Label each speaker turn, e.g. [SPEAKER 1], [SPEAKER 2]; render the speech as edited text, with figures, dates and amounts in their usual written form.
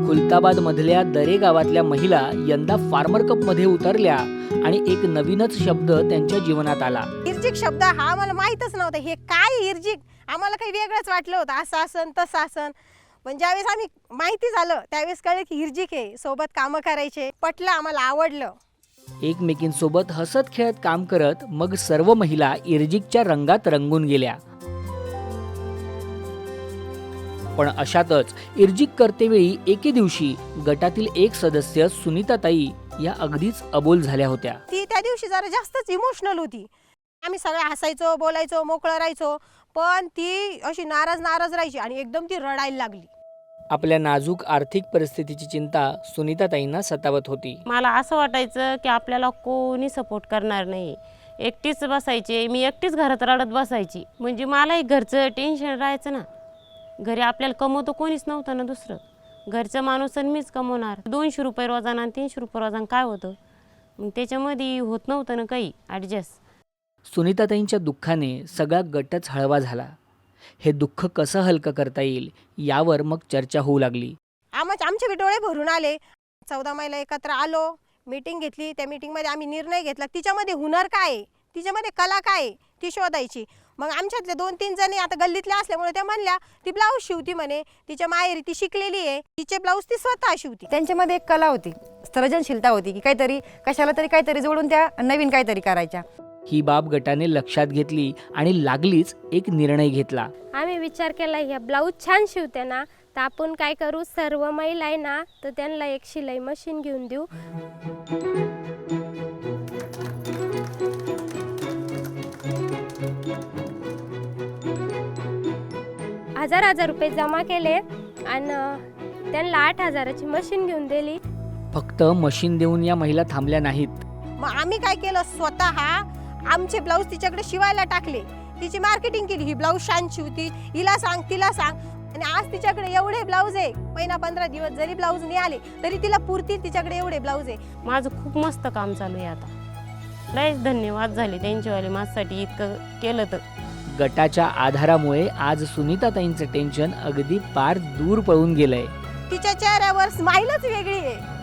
[SPEAKER 1] खुलताबाद मधल्या दरे गावातल्या महिला यंदा फार्मर कप मध्ये उतरल्या आणि एक नवीनच शब्द त्यांच्या जीवनात आला.
[SPEAKER 2] इर्जिक शब्द हा आम्हाला माहीतच नव्हता. हे काय इर्जिक, आम्हाला काही वेगळंच वाटलं होतं. असं आसन तसं आसन, पण ज्यावेळेस आम्ही माहिती झालं त्यावेळेस कळलं की इर्जिक आहे. सोबत कामं करायचे, पटलं, आम्हाला आवडलं.
[SPEAKER 1] एकमेकींसोबत हसत खेळत काम करत मग सर्व महिला इर्जिकच्या रंगात रंगून गेल्या. पण अशातच इर्जिक करतेवेळी एके दिवशी गटातील एक सदस्य सुनीताताई या अगदीच अबोल झाल्या होत्या.
[SPEAKER 2] ती त्या दिवशी जरा जास्तच इमोशनल होती. आम्ही सगळे हसायचो, बोलायचो, मोकळं राहायचो, पण ती अशी नाराज राहायची आणि एकदम ती रडायला लागली.
[SPEAKER 1] आपल्या नाजूक आर्थिक परिस्थितीची चिंता सुनीताताईंना सतावत होती.
[SPEAKER 3] मला असं वाटायचं की आपल्याला कोणी सपोर्ट करणार नाही. एकटीच बसायचे, मी एकटीच घरात रडत बसायची. म्हणजे मलाही घरचं टेन्शन राहायचं ना. घरी आपल्याला कमवतो कोणीच नव्हतं ना दुसरं. घरचं माणूस आणि मीच कमवणार. 200 रुपये रोजानं आणि 300 रुपये रोजानं काय होतं, मग त्याच्यामध्ये होत नव्हतं ना काही ॲडजस्ट.
[SPEAKER 1] सुनीताताईंच्या दुःखाने सगळा गटच हळवा झाला. हे दुःख कसं हलकं करता येईल यावर मग चर्चा होऊ लागली.
[SPEAKER 2] आमचे डोळे भरून आले. 14 महिला एकत्र आलो, मीटिंग घेतली. त्या मीटिंगमध्ये आम्ही निर्णय घेतला, तिच्यामध्ये हुनर काय आहे, तिच्यामध्ये कला काय आहे ती शोधायची. मग आमच्यातले 2-3 जणी आता गल्लीतल्या असल्यामुळे त्या म्हणल्या ती ब्लाऊज शिवती म्हणे, तिच्या माहेरी ती शिकलेली आहे, तिचे ब्लाऊज ती स्वतः शिवती.
[SPEAKER 4] त्यांच्यामध्ये एक कला होती, सर्जनशीलता होती की काहीतरी कशाला तरी काहीतरी जोडून त्या नवीन काहीतरी करायच्या.
[SPEAKER 1] ही बाब गटाने लक्षात घेतली आणि लागलीच एक निर्णय घेतला.
[SPEAKER 5] आम्ही विचार केला, ह्या ब्लाऊज छान शिवते ना, तर आपण काय करू, सर्व महिला आहे ना तर त्यांना एक शिलाई मशीन घेऊन देऊ. हजार रुपये जमा केले आणि त्यांना 8,000ची मशीन घेऊन दिली.
[SPEAKER 1] फक्त मशीन देऊन या महिला थांबल्या नाहीत.
[SPEAKER 2] मग आम्ही काय केलं, स्वतः आमचे ब्लाऊज तिच्याकडे शिवायला टाकले, तिची मार्केटिंग केली. ही ब्लाऊज छान शिवती, हिला सांग, तिला सांग. आणि आज तिच्याकडे एवढे ब्लाऊज आहे, महिना 15 दिवस जरी ब्लाऊज नाही आले तरी तिला पुरतील, तिच्याकडे एवढे ब्लाऊज आहे.
[SPEAKER 3] माझं खूप मस्त काम चालू आहे आता. लयच धन्यवाद झाले त्यांच्यावाले माझ्यासाठी इतकं केलं तर.
[SPEAKER 1] गटाच्या आधारामुळे आज सुनीताताईंचं टेन्शन अगदी पार दूर पळून गेलंय.
[SPEAKER 2] तिच्या चेहऱ्यावर स्माईलच वेगळी आहे.